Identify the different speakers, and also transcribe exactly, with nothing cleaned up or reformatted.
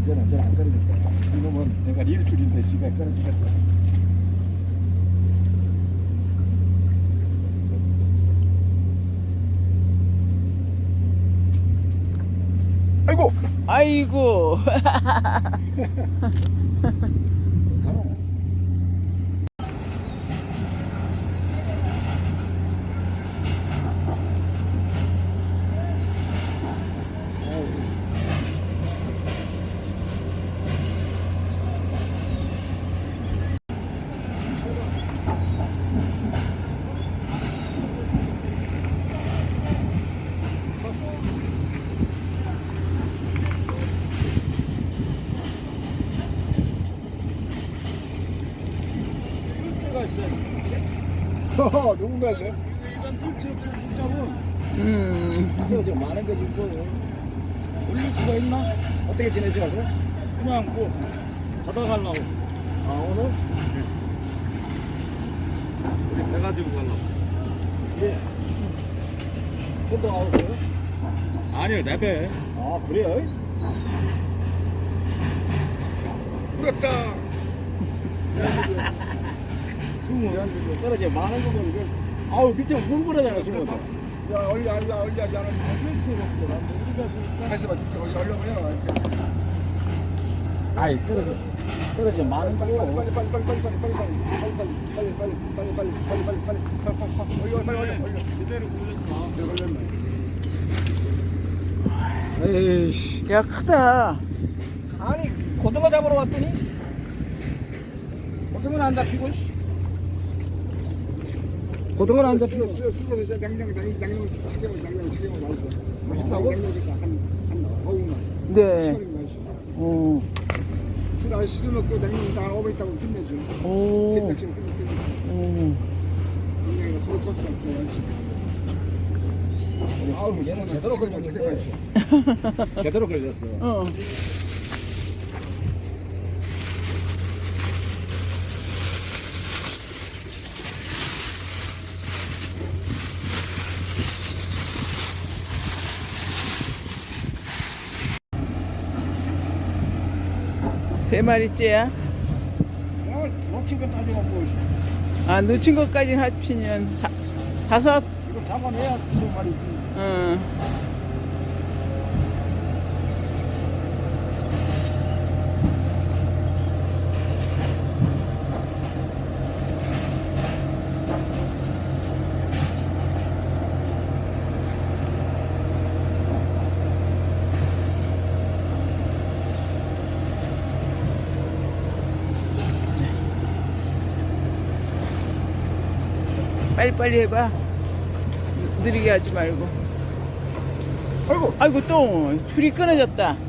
Speaker 1: 이제는 이제는 안 끊어졌다. 이놈은 내가 일주일인데 지가 끊어지겠어. 아이고,
Speaker 2: 아이고.
Speaker 1: 허허, 누군가 이게? 일반 불치 없이 붙잡은
Speaker 2: 음.
Speaker 1: 이거 지금 많은 게 지금 올릴 수가 있나? 어떻게 지내시라고? 그냥 뭐 바다 가려고. 아 오늘? 우리 배 가지고 가려고. 예. 혼자 가고 그래요? 아니요, 내 배. 아 그래요? 부럽다. 숨은 떨어져 많은 거 보니까 아우 밑에 뭉그러잖아 숨은. 야 얼려 얼려 얼려 나는 그렇지 우리가 다시 봐 얼려 얼려 이렇게. 아이 떨어져 떨어져 많은 거. 빨리 빨리 빨리 빨리 빨리 빨리 빨리 빨리 빨리 빨리 빨리 빨리 빨리 빨리 빨리 빨리 얼려 얼려 얼려 얼려 제대로 굴렸다. 에이씨.
Speaker 2: 야, 크다.
Speaker 1: 아니 고등어 잡으러 왔더니 고등어는 안 잡히고. 고등어는 안 잡히고. 수저 수저에서 냉장 냉장 냉장 튀김을 냉장 튀김을 맛있어. 맛있다고? 냉장에서 한한 오분만.
Speaker 2: 네.
Speaker 1: 시원하게 맛있어.
Speaker 2: 오.
Speaker 1: 술 아저씨 술 먹고 냉장 다 오분 있다고 끝내줘.
Speaker 2: 오.
Speaker 1: 냉장실 끝내.
Speaker 2: 오.
Speaker 1: 냉장에서 소스 소스 맛있어. 아우 얘는 제대로 걸렸어. 제대로 걸렸어.
Speaker 2: 어. 세 마리째야?
Speaker 1: 오늘 놓친 거 따지고 뭐
Speaker 2: 아, 놓친 것까지 합치면 다, 다섯?
Speaker 1: 이거 잡아내야 두 마리지.
Speaker 2: 응. 빨리빨리 해봐. 느리게 하지 말고.
Speaker 1: 아이고
Speaker 2: 아이고, 또 줄이 끊어졌다.